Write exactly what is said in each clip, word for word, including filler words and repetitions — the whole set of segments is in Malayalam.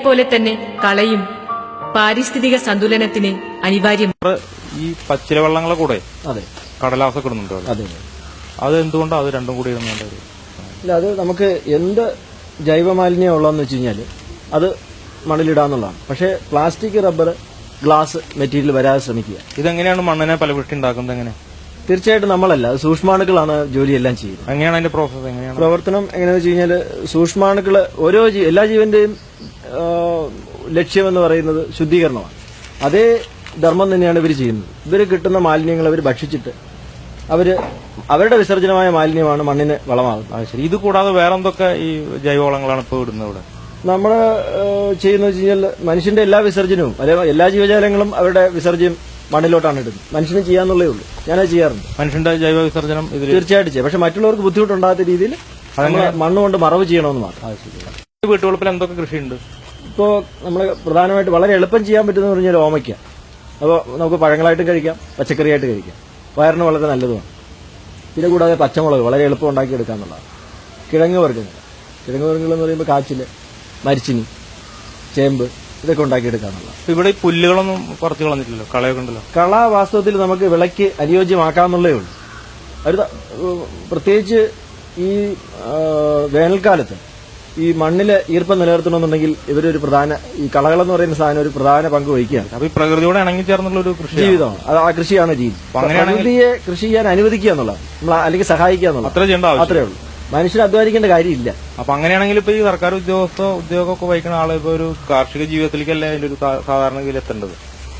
പോലെ തന്നെ കളയും പാരിസ്ഥിതിക സന്തുലനത്തിന് അനിവാര്യം. ഈ പച്ചില വെള്ളങ്ങളെ കൂടെ അതെ കടലാസൊക്കെ ഇടുന്നുണ്ടോ? അതെ. അത് എന്തുകൊണ്ടാണ് അത് രണ്ടും കൂടി ഇടുന്നുണ്ട്? ഇല്ല, അത് നമുക്ക് എന്ത് ജൈവ മാലിന്യം ഉള്ളതെന്ന് വെച്ച് കഴിഞ്ഞാൽ അത് മണ്ണിലിടാന്നുള്ളതാണ്. പക്ഷേ പ്ലാസ്റ്റിക്, റബ്ബർ, ഗ്ലാസ് മെറ്റീരിയൽ വരാതെ ശ്രമിക്കുക. ഇതെങ്ങനെയാണ് മണ്ണിനെ ഫലപുഷ്ടി ഉണ്ടാക്കുന്നത്? എങ്ങനെ? തീർച്ചയായിട്ടും നമ്മളല്ല, അത് സൂക്ഷ്മാണുക്കളാണ് ജോലിയെല്ലാം ചെയ്യുന്നത്. എങ്ങനെയാണ് അതിന്റെ പ്രോസസ്? എങ്ങനെയാണ് പ്രവർത്തനം? എങ്ങനെയാണെന്ന് വെച്ച് കഴിഞ്ഞാൽ സൂക്ഷ്മാണുക്കള് ഓരോ എല്ലാ ജീവന്റെയും ലക്ഷ്യമെന്ന് പറയുന്നത് ശുദ്ധീകരണമാണ്. അതേ ധർമ്മം തന്നെയാണ് ഇവർ ചെയ്യുന്നത്. ഇവർ കിട്ടുന്ന മാലിന്യങ്ങൾ അവർ ഭക്ഷിച്ചിട്ട് അവര് അവരുടെ വിസർജനമായ മാലിന്യമാണ് മണ്ണിന് വളമാകുന്നത്. ശരി. ഇത് കൂടാതെ വേറെ എന്തൊക്കെ ഈ ജൈവവളങ്ങളാണ് ഇപ്പോൾ ഇടുന്നത് ഇവിടെ? നമ്മൾ ചെയ്യുന്ന വെച്ച് കഴിഞ്ഞാൽ മനുഷ്യന്റെ എല്ലാ വിസർജനവും അല്ലെങ്കിൽ എല്ലാ ജീവജാലങ്ങളും അവരുടെ വിസർജ്യം മണ്ണിലോട്ടാണ് ഇടുന്നത്. മനുഷ്യന് ചെയ്യാന്നുള്ളേ ഉള്ളൂ. ഞാനത് ചെയ്യാറുണ്ട്. മനുഷ്യന്റെ ജൈവ വിസർജനം തീർച്ചയായിട്ടും ചെയ്യാം. പക്ഷെ മറ്റുള്ളവർക്ക് ബുദ്ധിമുട്ടുണ്ടാകാത്ത രീതിയിൽ മണ്ണുകൊണ്ട് മറവ് ചെയ്യണമെന്ന് മാത്രം. വീട്ടുവളപ്പിൽ എന്തൊക്കെ കൃഷിയുണ്ട്? ഇപ്പോ നമ്മൾ പ്രധാനമായിട്ട് വളരെ എളുപ്പം ചെയ്യാൻ പറ്റുന്ന പറഞ്ഞാൽ ഓമയ്ക്ക. അപ്പോൾ നമുക്ക് പഴങ്ങളായിട്ടും കഴിക്കാം, പച്ചക്കറിയായിട്ട് കഴിക്കാം. വയറിന് വളരെ നല്ലതുമാണ്. പിന്നെ കൂടാതെ പച്ചമുളക് വളരെ എളുപ്പം ഉണ്ടാക്കിയെടുക്കാന്നുള്ളതാണ്. കിഴങ്ങ് വർഗ്ഗങ്ങൾ കിഴങ്ങ് വർഗ്ഗങ്ങൾ എന്ന് പറയുമ്പോൾ കാച്ചില്, മരിച്ചിനി, ചേമ്പ് ഇതൊക്കെ ഉണ്ടാക്കിയെടുക്കാന്നുള്ളത്. ഇവിടെ ഈ പുല്ലുകളൊന്നും കുറച്ച് കളഞ്ഞിട്ടില്ലല്ലോ, കളയൊക്കെ ഉണ്ടല്ലോ. കള വാസ്തവത്തിൽ നമുക്ക് വിളയ്ക്ക് അനുയോജ്യമാക്കാന്നുള്ളേ ഉള്ളൂ. ഒരു പ്രത്യേകിച്ച് ഈ വേനൽക്കാലത്ത് ഈ മണ്ണില് ഈർപ്പം നിലനിർത്തണമെന്നുണ്ടെങ്കിൽ ഇവരൊരു പ്രധാന ഈ കളകളെന്ന് പറയുന്ന സാധനം ഒരു പ്രധാന പങ്ക് വഹിക്കുകയാണ്. അപ്പൊ ഈ പ്രകൃതിയോട് ഇണങ്ങി ചേർന്നുള്ള ഒരു കൃഷി ജീവിതമാണ്. അത് ആ കൃഷിയാണ് രീതി. പ്രകൃതിയെ കൃഷി ചെയ്യാൻ അനുവദിക്കുക എന്നുള്ളത്, നമ്മൾ അല്ലെങ്കിൽ സഹായിക്കുക എന്നുള്ളത് അത്ര ചെയ്യേണ്ട അത്രേ ഉള്ളൂ. മനുഷ്യന് അധ്വാനിക്കേണ്ട കാര്യമില്ല. അപ്പൊ അങ്ങനെയാണെങ്കിൽ ഇപ്പൊ ഈ സർക്കാർ ഉദ്യോഗസ്ഥ ഉദ്യോഗമൊക്കെ വഹിക്കുന്ന ആളെ ഇപ്പൊ ഒരു കാർഷിക ജീവിതത്തിലേക്കല്ലേ അതിന്റെ ഒരു സാധാരണഗതിയിൽ എത്തേണ്ടത്?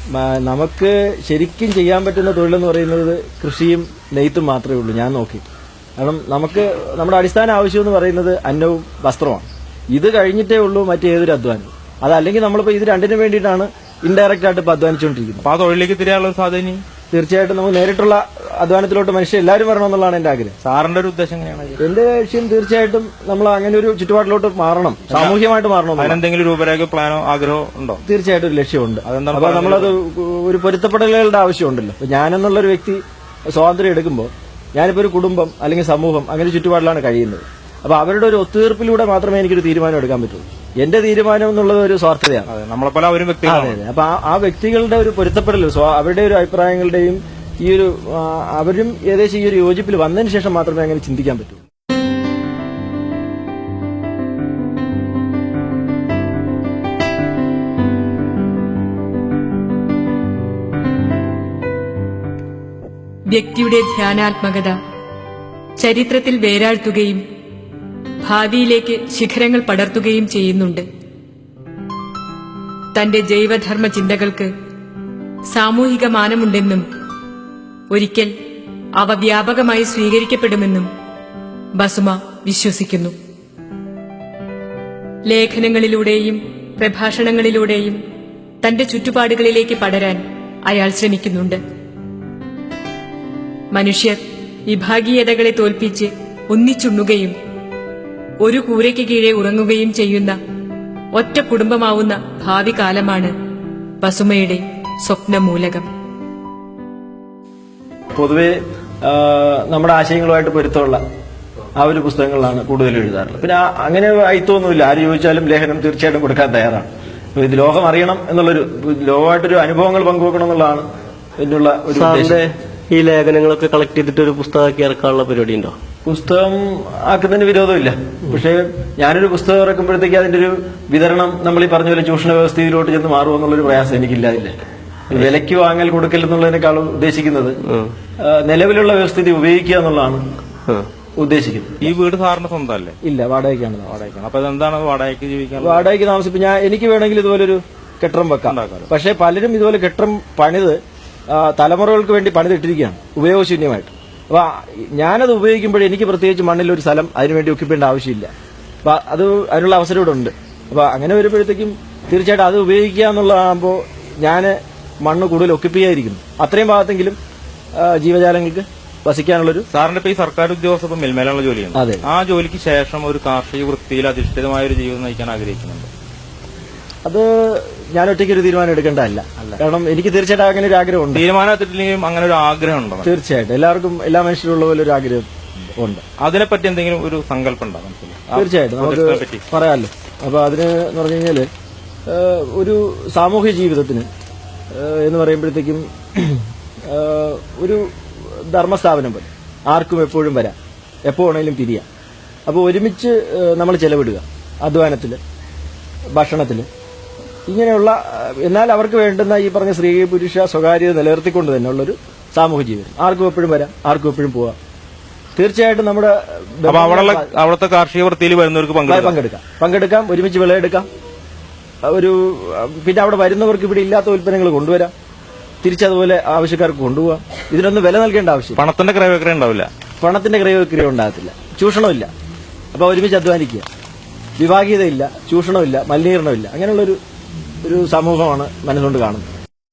നമുക്ക് ശരിക്കും ചെയ്യാൻ പറ്റുന്ന തൊഴിലെന്ന് പറയുന്നത് കൃഷിയും നെയ്ത്തും മാത്രമേ ഉള്ളൂ ഞാൻ നോക്കി. കാരണം നമുക്ക് നമ്മുടെ അടിസ്ഥാന ആവശ്യം എന്ന് പറയുന്നത് അന്നവും വസ്ത്രമാണ്. ഇത് കഴിഞ്ഞിട്ടേ ഉള്ളൂ മറ്റേതൊരു അധ്വാനം. അതല്ലെങ്കിൽ നമ്മളിപ്പോ ഇത് രണ്ടിനും വേണ്ടിയിട്ടാണ് ഇൻഡയറക്റ്റ് ആയിട്ട് ഇപ്പൊ അധ്വാനിച്ചുകൊണ്ടിരിക്കുന്നത്. അപ്പൊ ആ തൊഴിലേക്ക് തിരിയാനുള്ള സാധ്യത തീർച്ചയായിട്ടും നമുക്ക് നേരിട്ടുള്ള അധ്വാനത്തിലോട്ട് മനുഷ്യർ എല്ലാവരും വരണമെന്നുള്ളതാണ് എന്റെ ആഗ്രഹം. സാറിന്റെ ഒരു ഉദ്ദേശം എങ്ങനെയാണ്? എന്റെ ലക്ഷ്യം തീർച്ചയായിട്ടും നമ്മൾ അങ്ങനെ ഒരു ചുറ്റുപാടിലോട്ട് മാറണം, സാമൂഹ്യമായിട്ട് മാറണം. അതിനെന്തെങ്കിലും രൂപരേഖ പ്ലാനോ ആഗ്രഹമോ ഉണ്ടോ? തീർച്ചയായിട്ടും ഒരു ലക്ഷ്യമുണ്ട്. അപ്പൊ നമ്മളത് ഒരു പൊരുത്തപ്പെടലുകളുടെ ആവശ്യമുണ്ടല്ലോ. ഞാനെന്നുള്ള ഒരു വ്യക്തി സ്വാതന്ത്ര്യം എടുക്കുമ്പോൾ ഞാനിപ്പോ ഒരു കുടുംബം അല്ലെങ്കിൽ സമൂഹം അങ്ങനെ ചുറ്റുപാടിലാണ് കഴിയുന്നത്. അപ്പൊ അവരുടെ ഒരു ഒത്തുതീർപ്പിലൂടെ മാത്രമേ എനിക്കൊരു തീരുമാനം എടുക്കാൻ പറ്റുള്ളൂ. എന്റെ തീരുമാനം എന്നുള്ളത് ഒരു സ്വാർത്ഥതയാണ്. നമ്മളെപ്പോലെ അവരും വ്യക്തികളാണ്. അതെ. അപ്പൊ ആ വ്യക്തികളുടെ ഒരു പൊരുത്തപ്പെടൽ, അവരുടെ ഒരു അഭിപ്രായങ്ങളുടെയും ഈ ഒരു അവരും ഏകദേശം ഈ ഒരു യോജിപ്പിൽ വന്നതിന് ശേഷം മാത്രമേ അങ്ങനെ ചിന്തിക്കാൻ പറ്റൂ. വ്യക്തിയുടെ ധ്യാനാത്മകത ചരിത്രത്തിൽ വേരാഴ്ത്തുകയും ഭാവിയിലേക്ക് ശിഖരങ്ങൾ പടർത്തുകയും ചെയ്യുന്നുണ്ട്. തന്റെ ജൈവധർമ്മ ചിന്തകൾക്ക് സാമൂഹിക മാനമുണ്ടെന്നും ഒരിക്കൽ അവ വ്യാപകമായി സ്വീകരിക്കപ്പെടുമെന്നും ബസുമ വിശ്വസിക്കുന്നു. ലേഖനങ്ങളിലൂടെയും പ്രഭാഷണങ്ങളിലൂടെയും തന്റെ ചുറ്റുപാടുകളിലേക്ക് പടരാൻ അയാൾ ശ്രമിക്കുന്നുണ്ട്. മനുഷ്യർ വിഭാഗീയതകളെ തോൽപ്പിച്ച് ഒന്നിച്ചുണ്ണുകയും ഒരു കൂരയ്ക്ക് കീഴെ ഉറങ്ങുകയും ചെയ്യുന്ന ഒറ്റ കുടുംബമാവുന്ന ഭാവി കാലമാണ് ബസുമയുടെ സ്വപ്നമൂലകം. പൊതുവെ നമ്മുടെ ആശയങ്ങളുമായിട്ട് പൊരുത്തമുള്ള ആ ഒരു പുസ്തകങ്ങളാണ് കൂടുതൽ എഴുതാറുള്ളത്. പിന്നെ അങ്ങനെ അയിത്തൊന്നുമില്ല. ആര് ചോദിച്ചാലും ലേഖനം തീർച്ചയായിട്ടും കൊടുക്കാൻ തയ്യാറാണ്. ഇത് ലോകം അറിയണം എന്നുള്ളൊരു ലോകമായിട്ടൊരു അനുഭവങ്ങൾ പങ്കുവെക്കണം എന്നുള്ളതാണ് എന്നുള്ള ഒരു ഉദ്ദേശം. ഈ ലേഖനങ്ങളൊക്കെ കളക്ട് ചെയ്തിട്ട് ഒരു പുസ്തകമാക്കി ഇറക്കാനുള്ള പരിപാടി ഉണ്ടോ? പുസ്തകം ആക്കുന്നതിന് വിരോധമില്ല. പക്ഷേ ഞാനൊരു പുസ്തകം ഇറക്കുമ്പോഴത്തേക്ക് അതിന്റെ ഒരു വിതരണം നമ്മൾ ഈ പറഞ്ഞ പോലെ ചൂഷണ വ്യവസ്ഥയിലോട്ട് ചെന്ന് മാറുമെന്നുള്ളൊരു പ്രയാസം എനിക്കില്ലാതില്ല. വിലയ്ക്ക് വാങ്ങൽ കൊടുക്കൽ എന്നുള്ളതിനേക്കാളും ഉദ്ദേശിക്കുന്നത് നിലവിലുള്ള വ്യവസ്ഥിതി ഉപയോഗിക്കുക എന്നുള്ളതാണ് ഉദ്ദേശിക്കുന്നത്. ഈ വീട് സാറിന് സ്വന്തമല്ലേ? ഇല്ല, വാടകയ്ക്കാണ്. വാടകയ്ക്കാണ്. അപ്പൊ എന്താണ് വാടകയ്ക്ക് ജീവിക്കാൻ? വാടകയ്ക്ക് താമസിപ്പ് ഞാൻ എനിക്ക് വേണമെങ്കിൽ ഇതുപോലൊരു കെട്ടിടം വെക്കാം. പക്ഷെ പലരും ഇതുപോലെ കെട്ടിടം പണിത് തലമുറകൾക്ക് വേണ്ടി പണിതിട്ടിരിക്കുകയാണ് ഉപയോഗശൂന്യമായിട്ട്. അപ്പൊ ഞാനത് ഉപയോഗിക്കുമ്പോൾ എനിക്ക് പ്രത്യേകിച്ച് മണ്ണിലൊരു സ്ഥലം അതിനുവേണ്ടി ഒക്കിപ്പേണ്ട ആവശ്യമില്ല. അപ്പൊ അത് അതിനുള്ള അവസരം ഇവിടെ ഉണ്ട്. അപ്പൊ അങ്ങനെ വരുമ്പോഴത്തേക്കും തീർച്ചയായിട്ടും അത് ഉപയോഗിക്കുക എന്നുള്ളതാകുമ്പോൾ ഞാൻ മണ്ണ് കൂടുതൽ ഒക്കിപ്പിക്കായിരിക്കുന്നു. അത്രയും ഭാഗത്തെങ്കിലും ജീവജാലങ്ങൾക്ക് വസിക്കാനുള്ളൊരു. സാറിന്റെ ഇപ്പൊ ഈ സർക്കാർ ഉദ്യോഗസ്ഥ മേൽമേലുള്ള ജോലിയാണ്. അതെ. ആ ജോലിക്ക് ശേഷം ഒരു കാർഷിക വൃത്തിയിൽ അധിഷ്ഠിതമായ ഒരു ജീവിതം നയിക്കാൻ ആഗ്രഹിക്കുന്നുണ്ട്. അത് ഞാൻ ഒറ്റയ്ക്ക് ഒരു തീരുമാനം എടുക്കേണ്ടതല്ല. കാരണം എനിക്ക് തീർച്ചയായിട്ടും അങ്ങനെ ഒരു ആഗ്രഹമുണ്ട്. തീരുമാനം എടുത്തിട്ടില്ലെങ്കിലും അങ്ങനെ ഒരു ആഗ്രഹം ഉണ്ടോ? തീർച്ചയായിട്ടും എല്ലാവർക്കും എല്ലാ മനുഷ്യരുള്ള പോലെ ഒരു ആഗ്രഹം ഉണ്ട്. അതിനെപ്പറ്റി എന്തെങ്കിലും ഒരു സങ്കല്പം ഉണ്ടോ? തീർച്ചയായിട്ടും നമുക്ക് പറയാമല്ലോ. അപ്പൊ അതിന് എന്ന് പറഞ്ഞു കഴിഞ്ഞാല് ഏഹ്, ഒരു സാമൂഹ്യ ജീവിതത്തിന് ഏഹ്, എന്ന് പറയുമ്പോഴത്തേക്കും ഏഹ്, ഒരു ധർമ്മസ്ഥാപനം പോലെ ആർക്കും എപ്പോഴും വരാം, എപ്പോ വേണമെങ്കിലും പിരിയാം. അപ്പോൾ ഒരുമിച്ച് നമ്മൾ ചെലവിടുക അധ്വാനത്തിൽ, ഭക്ഷണത്തിൽ, ഇങ്ങനെയുള്ള എന്നാൽ അവർക്ക് വേണ്ടുന്ന ഈ പറഞ്ഞ സ്ത്രീ പുരുഷ സ്വകാര്യത നിലനിർത്തിക്കൊണ്ട് തന്നെ ഉള്ളൊരു സാമൂഹ്യ ജീവിതം. ആർക്കും എപ്പോഴും വരാം, ആർക്കും എപ്പോഴും പോവാം. തീർച്ചയായിട്ടും നമ്മുടെ അപ്പൊ അവിടെ അവിടുത്തെ കാർഷിക വൃത്തിയിൽ വരുന്നവർക്ക് പങ്കെടുക്കാം പങ്കെടുക്കാം പങ്കെടുക്കാം ഒരുമിച്ച് വിളയെടുക്കാം. ഒരു പിന്നെ അവിടെ വരുന്നവർക്ക് ഇവിടെ ഇല്ലാത്ത ഉൽപ്പന്നങ്ങൾ കൊണ്ടുവരാം, തിരിച്ചതുപോലെ ആവശ്യക്കാർക്ക് കൊണ്ടുപോകാം. ഇതിനൊന്നും വില നൽകേണ്ട ആവശ്യം. പണത്തിന്റെ ക്രയവിക്രയം ഉണ്ടാവില്ല, പണത്തിന്റെ ക്രയവിക്രയം ഉണ്ടാകത്തില്ല, ചൂഷണമില്ല. അപ്പൊ ഒരുമിച്ച് അധ്വാനിക്കുക, വിഭാഗീയതയില്ല, ചൂഷണമില്ല, മലിനീകരണമില്ല. അങ്ങനെയുള്ളൊരു ഒരു സമൂഹമാണ് മനസ്സുകൊണ്ട് കാണുന്നത്.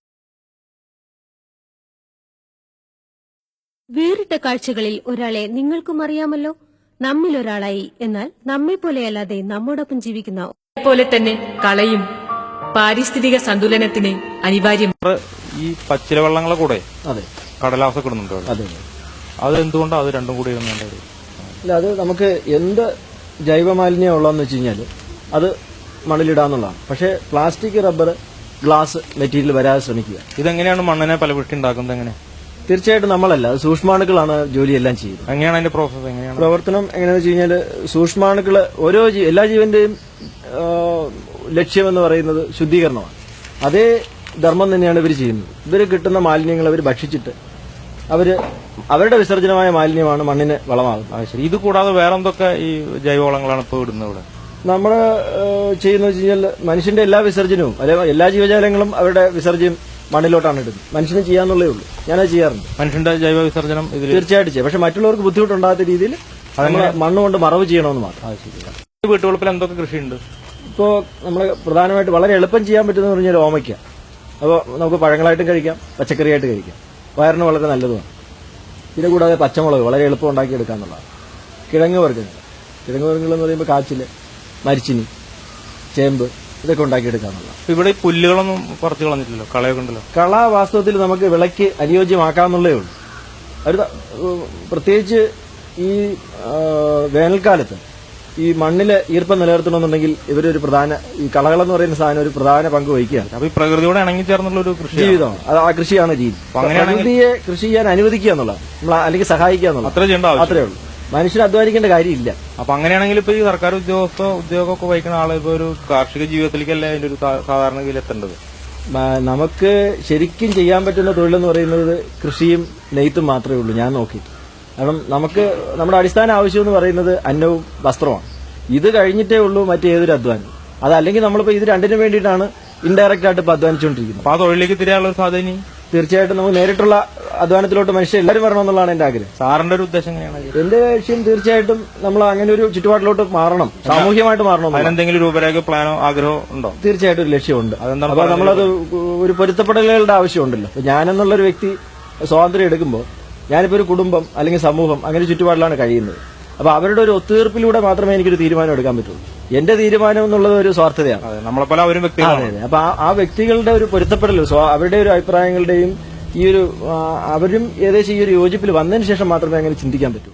വേറിട്ട കാഴ്ചകളിൽ ഒരാളെ നിങ്ങൾക്കും അറിയാമല്ലോ. നമ്മിൽ ഒരാളായി, എന്നാൽ നമ്മെ പോലെയല്ലാതെ നമ്മോടൊപ്പം ജീവിക്കുന്ന പോലെ തന്നെ കളയും പാരിസ്ഥിതിക സന്തുലനത്തിന് അനിവാര്യം. ഈ പച്ചില വെള്ളങ്ങളെ കൂടെ അതെ കടലാസൊക്കെ ഇടുന്നുണ്ടോ? അതെ അത് എന്തുകൊണ്ടാണ് അത് രണ്ടും കൂടി ഇടുന്നുണ്ട്? അല്ല, അത് നമുക്ക് എന്ത് ജൈവമാലിന്യം ഉള്ളതെന്ന് വെച്ച് കഴിഞ്ഞാൽ അത് മണ്ണിലിടാന്നുള്ളതാണ്. പക്ഷേ പ്ലാസ്റ്റിക്, റബ്ബർ, ഗ്ലാസ് മെറ്റീരിയൽ വരാതെ ശ്രമിക്കുക. ഇതെങ്ങനെയാണ് മണ്ണിനെ ഫലപുഷ്ടി ഉണ്ടാക്കുന്നത്? എങ്ങനെ? തീർച്ചയായിട്ടും നമ്മളല്ല, അത് സൂക്ഷ്മാണുക്കളാണ് ജോലിയെല്ലാം ചെയ്യുന്നത്. എങ്ങനെയാണ് അതിന്റെ പ്രോസസ്? എങ്ങനെയാണ് പ്രവർത്തനം? എങ്ങനെയാണെന്ന് വെച്ച് കഴിഞ്ഞാൽ സൂക്ഷ്മാണുക്കള് ഓരോ ജീ- എല്ലാ ജീവന്റെയും ആ, ലക്ഷ്യമെന്ന് പറയുന്നത് ശുദ്ധീകരണമാണ്. അതേ ധർമ്മം തന്നെയാണ് ഇവർ ചെയ്യുന്നത്. ഇവർ കിട്ടുന്ന മാലിന്യങ്ങൾ അവർ ഭക്ഷിച്ചിട്ട് അവര് അവരുടെ വിസർജനമായ മാലിന്യമാണ് മണ്ണിന് വളമാകുന്നത്. ശരി. ഇത് കൂടാതെ വേറെ എന്തൊക്കെ ഈ ജൈവവളങ്ങളാണ് ഇപ്പോൾ ഇടുന്നത് ഇവിടെ? നമ്മൾ ചെയ്യുന്നത് വെച്ച് കഴിഞ്ഞാൽ മനുഷ്യന്റെ എല്ലാ വിസർജനവും, അല്ലെങ്കിൽ എല്ലാ ജീവജാലങ്ങളും അവരുടെ വിസർജ്യം മണ്ണിലോട്ടാണ് ഇടുന്നത്. മനുഷ്യന് ചെയ്യാന്നുള്ളേ ഉള്ളൂ. ഞാനത് ചെയ്യാറുണ്ട്. മനുഷ്യന്റെ ജൈവ വിസർജനം ഇതിൽ തീർച്ചയായിട്ടും ചെയ്യും. പക്ഷെ മറ്റുള്ളവർക്ക് ബുദ്ധിമുട്ടുണ്ടാകാത്ത രീതിയിൽ മണ്ണുകൊണ്ട് മറവ് ചെയ്യണമെന്ന് മാത്രം. വീട്ടുവളപ്പിൽ എന്തൊക്കെ കൃഷിയുണ്ട്? ഇപ്പോ നമ്മൾ പ്രധാനമായിട്ട് വളരെ എളുപ്പം ചെയ്യാൻ പറ്റുന്ന പറഞ്ഞാൽ ഓമയ്ക്ക. അപ്പോൾ നമുക്ക് പഴങ്ങളായിട്ടും കഴിക്കാം, പച്ചക്കറിയായിട്ട് കഴിക്കാം. വയറിന് വളരെ നല്ലതുമാണ്. പിന്നെ കൂടാതെ പച്ചമുളക് വളരെ എളുപ്പം ഉണ്ടാക്കിയെടുക്കാന്നുള്ളതാണ്. കിഴങ്ങ് വർഗ്ഗങ്ങൾ കിഴങ്ങ് വർഗ്ഗങ്ങൾ എന്ന് പറയുമ്പോൾ കാച്ചില്, മരിച്ചിനി, ചേമ്പ്, ഇതൊക്കെ ഉണ്ടാക്കിയെടുക്കാന്നുള്ളതാണ്. ഇവിടെ ഈ പുല്ലുകളൊന്നും പറിച്ചു കളഞ്ഞിട്ടില്ലല്ലോ, കളയൊക്കെ ഉണ്ടല്ലോ. കള വാസ്തവത്തിൽ നമുക്ക് വിളയ്ക്ക് അനുയോജ്യമാക്കാന്നുള്ളേ ഉള്ളൂ. ഒരു പ്രത്യേകിച്ച് ഈ ആ, വേനൽക്കാലത്ത് ഈ മണ്ണില് ഈർപ്പം നിലനിർത്തണമെന്നുണ്ടെങ്കിൽ ഇവരൊരു പ്രധാന ഈ കളകളെന്ന് പറയുന്ന സാധനം ഒരു പ്രധാന പങ്ക് വഹിക്കുകയാണ്. അപ്പൊ ഈ പ്രകൃതിയോട് ഇണങ്ങി ചേർന്നുള്ള ഒരു കൃഷി ജീവിതമാണ് അത്. ആ കൃഷിയാണ് രീതി. പ്രകൃതിയെ കൃഷി ചെയ്യാൻ അനുവദിക്കുക എന്നുള്ളത്, നമ്മൾ അല്ലെങ്കിൽ സഹായിക്കുക എന്നുള്ളത് അത്ര ചെയ്യേണ്ട ആവശ്യം അത്രേ ഉള്ളൂ. മനുഷ്യന് അധ്വാനിക്കേണ്ട കാര്യമില്ല. അപ്പൊ അങ്ങനെയാണെങ്കിൽ ഇപ്പൊ ഈ സർക്കാർ ഉദ്യോഗസ്ഥ ഉദ്യോഗമൊക്കെ വഹിക്കുന്ന ആള് ഇപ്പൊ ഒരു കാർഷിക ജീവിതത്തിലേക്കല്ലേ അതിന്റെ ഒരു സാധാരണഗതിയിൽ എത്തേണ്ടത്? മ- നമുക്ക് ശരിക്കും ചെയ്യാൻ പറ്റുന്ന തൊഴിലെന്ന് പറയുന്നത് കൃഷിയും നെയ്ത്തും മാത്രമേ ഉള്ളൂ ഞാൻ നോക്കി. കാരണം നമുക്ക് നമ്മുടെ അടിസ്ഥാന ആവശ്യം എന്ന് പറയുന്നത് അന്നവും വസ്ത്രമാണ്. ഇത് കഴിഞ്ഞിട്ടേ ഉള്ളൂ മറ്റേതൊരു അധ്വാനം. അതല്ലെങ്കിൽ നമ്മളിപ്പോ ഇത് രണ്ടിനും വേണ്ടിയിട്ടാണ് ഇൻഡയറക്റ്റ് ആയിട്ട് ഇപ്പൊ അധ്വാനിച്ചുകൊണ്ടിരിക്കുന്നത്. അപ്പൊ ആ തൊഴിലേക്ക് തിരിയാനുള്ള ഒരു സാധ്യത തീർച്ചയായിട്ടും നമുക്ക് നേരിട്ടുള്ള അധ്വാനത്തിലോട്ട് മനുഷ്യർ എല്ലാവരും വരണമെന്നുള്ളതാണ് എന്റെ ആഗ്രഹം. സാറിന്റെ ഒരു ഉദ്ദേശം എങ്ങനെയാണ്? എന്റെ ലക്ഷ്യം തീർച്ചയായിട്ടും നമ്മൾ അങ്ങനെ ഒരു ചുറ്റുപാടിലോട്ട് മാറണം, സാമൂഹ്യമായിട്ട് മാറണം. അതിനെന്തെങ്കിലും രൂപരേഖ പ്ലാനോ ആഗ്രഹമോ ഉണ്ടോ? തീർച്ചയായിട്ടും ഒരു ലക്ഷ്യമുണ്ട്. അതെന്താണ് അപ്പൊ നമ്മളത് ഒരു പൊരുത്തപ്പെടലുകളുടെ ആവശ്യമുണ്ടല്ലോ. അപ്പൊ ഞാനെന്നുള്ളൊരു വ്യക്തി സ്വാതന്ത്ര്യം എടുക്കുമ്പോൾ ഞാനിപ്പോ ഒരു കുടുംബം അല്ലെങ്കിൽ സമൂഹം അങ്ങനെ ഒരു ചുറ്റുപാടിലാണ് കഴിയുന്നത്. അപ്പൊ അവരുടെ ഒരു ഒത്തുതീർപ്പിലൂടെ മാത്രമേ എനിക്കൊരു തീരുമാനം എടുക്കാൻ പറ്റുള്ളൂ. എന്റെ തീരുമാനം എന്നുള്ളത് ഒരു സ്വാർത്ഥതയാണ്. നമ്മളെപ്പോലെ അവരും വ്യക്തികളാണ്. അതെ. അപ്പൊ ആ- ആ വ്യക്തികളുടെ ഒരു പൊരുത്തപ്പെടൽ, സ്വ- അവരുടെ ഒരു അഭിപ്രായങ്ങളുടെയും ഈ ഒരു ആ, അവരും ഏകദേശം ഈ ഒരു യോജിപ്പിൽ വന്നതിന് ശേഷം മാത്രമേ അങ്ങനെ ചിന്തിക്കാൻ പറ്റൂ.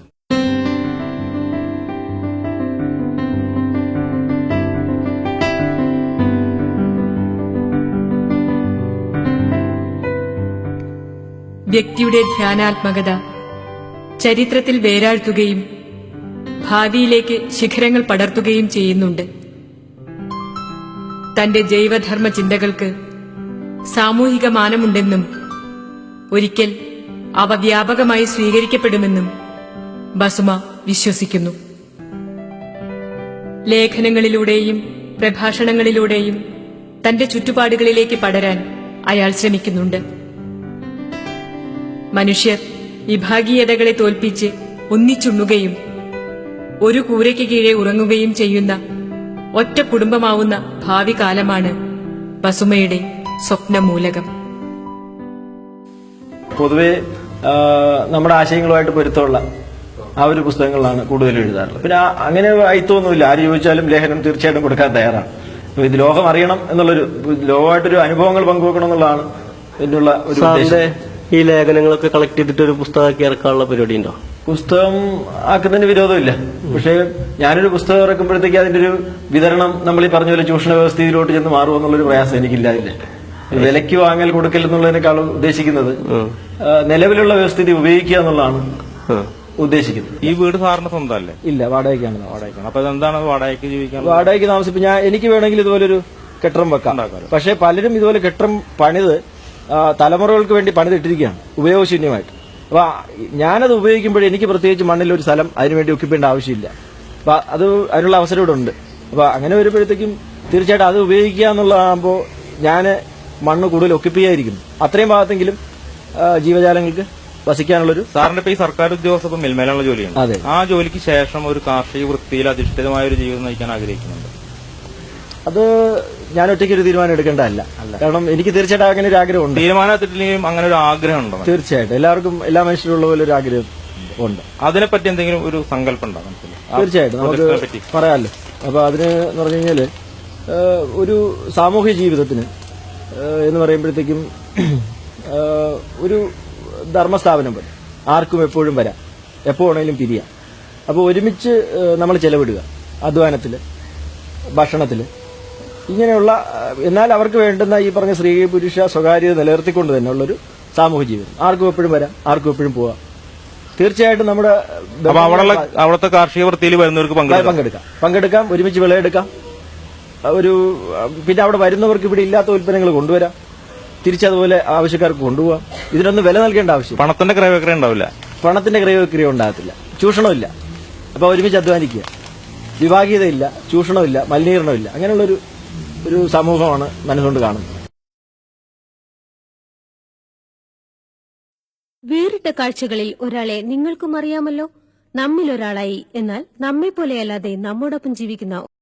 വ്യക്തിയുടെ ധ്യാനാത്മകത ചരിത്രത്തിൽ വേരാഴ്ത്തുകയും ഭാവിയിലേക്ക് ശിഖരങ്ങൾ പടർത്തുകയും ചെയ്യുന്നുണ്ട്. തന്റെ ജൈവധർമ്മ ചിന്തകൾക്ക് സാമൂഹിക മാനമുണ്ടെന്നും ഒരിക്കൽ അവ വ്യാപകമായി സ്വീകരിക്കപ്പെടുമെന്നും ബസുമ വിശ്വസിക്കുന്നു. ലേഖനങ്ങളിലൂടെയും പ്രഭാഷണങ്ങളിലൂടെയും തന്റെ ചുറ്റുപാടുകളിലേക്ക് പടരാൻ അയാൾ ശ്രമിക്കുന്നുണ്ട്. മനുഷ്യർ വിഭാഗീയതകളെ തോൽപ്പിച്ച് ഒന്നിച്ചുണ്ണുകയും ഒരു കൂരയ്ക്ക് കീഴെ ഉറങ്ങുകയും ചെയ്യുന്ന ഒറ്റ കുടുംബമാവുന്ന ഭാവി കാലമാണ് ബസുമയുടെ സ്വപ്നമൂലകം. പൊതുവെ ആ, നമ്മുടെ ആശയങ്ങളുമായിട്ട് പൊരുത്തമുള്ള ആ ഒരു പുസ്തകങ്ങളാണ് കൂടുതലും എഴുതാറുള്ളത്. പിന്നെ ആ- അങ്ങനെ അയിത്തൊന്നുമില്ല. ആര് ചോദിച്ചാലും ലേഖനം തീർച്ചയായിട്ടും കൊടുക്കാൻ തയ്യാറാണ്. അപ്പൊ ഇത് ലോകം അറിയണം എന്നുള്ളൊരു ലോകമായിട്ടൊരു അനുഭവങ്ങൾ പങ്കുവെക്കണം എന്നുള്ളതാണ് എന്നുള്ള ഒരു സാറിന്റെ ഉദ്ദേശം. ഈ ലേഖനങ്ങളൊക്കെ കളക്ട് ചെയ്തിട്ട് ഒരു പുസ്തകമാക്കി ഇറക്കാനുള്ള പരിപാടി ഉണ്ടോ? പുസ്തകം ആക്കുന്നതിന് വിരോധമില്ല. പക്ഷേ ഞാനൊരു പുസ്തകം ഇറക്കുമ്പോഴത്തേക്ക് അതിന്റെ ഒരു വിതരണം നമ്മൾ ഈ പറഞ്ഞ പോലെ ചൂഷണ വ്യവസ്ഥയിലോട്ട് ചെന്ന് മാറുമോ എന്നുള്ളൊരു പ്രയാസം എനിക്കില്ലാതില്ല. വിലയ്ക്ക് വാങ്ങൽ കൊടുക്കൽ എന്നുള്ളതിനേക്കാൾ ഉദ്ദേശിക്കുന്നത് ആ, നിലവിലുള്ള വ്യവസ്ഥിതി ഉപയോഗിക്കുക എന്നുള്ളതാണ് ഉദ്ദേശിക്കുന്നത്. ഈ വീട് സാറിന് സ്വന്തമല്ലേ? ഇല്ല, വാടകയ്ക്കാണ്. വാടകയ്ക്കാണ്. അപ്പൊ എന്താണ് വാടകയ്ക്ക് ജീവിക്കാൻ? വാടകയ്ക്ക് താമസിപ്പ് ഞാൻ എനിക്ക് വേണമെങ്കിൽ ഇതുപോലൊരു കെട്ടിടം വെക്കാം. പക്ഷേ പലരും ഇതുപോലെ കെട്ടിടം പണിത് ആ, തലമുറകൾക്ക് വേണ്ടി പണിതിട്ടിരിക്കുകയാണ് ഉപയോഗശൂന്യമായിട്ട്. അപ്പൊ ഞാനത് ഉപയോഗിക്കുമ്പോൾ എനിക്ക് പ്രത്യേകിച്ച് മണ്ണിൽ ഒരു സ്ഥലം അതിനുവേണ്ടി ഒക്കിപ്പേണ്ട ആവശ്യമില്ല. അപ്പൊ അത് അതിനുള്ള അവസരം ഇവിടെ ഉണ്ട്. അപ്പൊ അങ്ങനെ വരുമ്പോഴത്തേക്കും തീർച്ചയായിട്ടും അത് ഉപയോഗിക്കുക എന്നുള്ളതാകുമ്പോൾ ഞാൻ മണ്ണ് കൂടുതൽ ഒക്കിപ്പ് ചെയ്യാതിരിക്കുന്നു. അത്രയും ഭാഗത്തെങ്കിലും ആ, ജീവജാലങ്ങൾക്ക് വസിക്കാനുള്ളൊരു. സാറിന്റെ ഇപ്പൊ ഈ സർക്കാർ ഉദ്യോഗസ്ഥ ഇപ്പം മിൽമേലുള്ള ജോലിയാണ്. അതെ. ആ ജോലിക്ക് ശേഷം ഒരു കാർഷിക വൃത്തിയിൽ അധിഷ്ഠിതമായ ഒരു ജീവിതം നയിക്കാൻ ആഗ്രഹിക്കുന്നുണ്ട്. അത് ഞാൻ ഒറ്റയ്ക്ക് ഒരു തീരുമാനം എടുക്കേണ്ടതല്ല. കാരണം എനിക്ക് തീർച്ചയായിട്ടും അങ്ങനെ ഒരു ആഗ്രഹമുണ്ട്. തീരുമാനം എടുത്തിട്ടില്ലെങ്കിലും അങ്ങനെ ഒരു ആഗ്രഹം ഉണ്ടോ? തീർച്ചയായിട്ടും എല്ലാവർക്കും എല്ലാ മനുഷ്യരുള്ള പോലെ ഒരു ആഗ്രഹം ഉണ്ട്. അതിനെപ്പറ്റി എന്തെങ്കിലും ഒരു സങ്കല്പം ഉണ്ടോ മനസ്സിൽ? തീർച്ചയായിട്ടും നമുക്ക് പറയാമല്ലോ. അപ്പൊ അതിന് എന്ന് പറഞ്ഞു കഴിഞ്ഞാല് ഏഹ്, ഒരു സാമൂഹ്യ ജീവിതത്തിന് ഏഹ്, എന്ന് പറയുമ്പോഴത്തേക്കും ഏഹ്, ഒരു ധർമ്മസ്ഥാപനം പോലെ ആർക്കും എപ്പോഴും വരാം, എപ്പോ വേണമെങ്കിലും പിരിയാം. അപ്പോൾ ഒരുമിച്ച് നമ്മൾ ചെലവിടുക അധ്വാനത്തില്, ഭക്ഷണത്തില്, ഇങ്ങനെയുള്ള എന്നാൽ അവർക്ക് വേണ്ടുന്ന ഈ പറഞ്ഞ സ്ത്രീ പുരുഷ സ്വകാര്യത നിലനിർത്തിക്കൊണ്ട് തന്നെ ഉള്ളൊരു സാമൂഹ്യ ജീവിതം. ആർക്കും എപ്പോഴും വരാം, ആർക്കും എപ്പോഴും പോവാം. തീർച്ചയായിട്ടും നമ്മുടെ അപ്പൊ അവിടെയുള്ള അവിടുത്തെ കാർഷിക വൃത്തിയിൽ വരുന്നവർക്ക് പങ്കെടുക്കാം പങ്കെടുക്കാം പങ്കെടുക്കാം ഒരുമിച്ച് വിളയെടുക്കാം. ഒരു പിന്നെ അവിടെ വരുന്നവർക്ക് ഇവിടെ ഇല്ലാത്ത ഉൽപ്പന്നങ്ങൾ കൊണ്ടുവരാം, തിരിച്ചതുപോലെ ആവശ്യക്കാർക്ക് കൊണ്ടുപോകാം. ഇതിനൊന്നും വില നൽകേണ്ട ആവശ്യം. പണത്തിന്റെ ക്രയവിക്രയം ഉണ്ടാവില്ല. പണത്തിന്റെ ക്രയവിക്രയം ഉണ്ടാകത്തില്ല, ചൂഷണമില്ല. അപ്പൊ ഒരുമിച്ച് അധ്വാനിക്കുക, വിഭാഗീയതയില്ല, ചൂഷണമില്ല, മലിനീകരണമില്ല. അങ്ങനെയുള്ളൊരു ഒരു സമൂഹമാണ് മനസ്സുകൊണ്ട് കാണുന്നത്. വേറിട്ട കാഴ്ചകളിൽ ഒരാളെ നിങ്ങൾക്കും അറിയാമല്ലോ. നമ്മിലൊരാളായി, എന്നാൽ നമ്മെപ്പോലെയല്ലാതെ നമ്മോടൊപ്പം ജീവിക്കുന്ന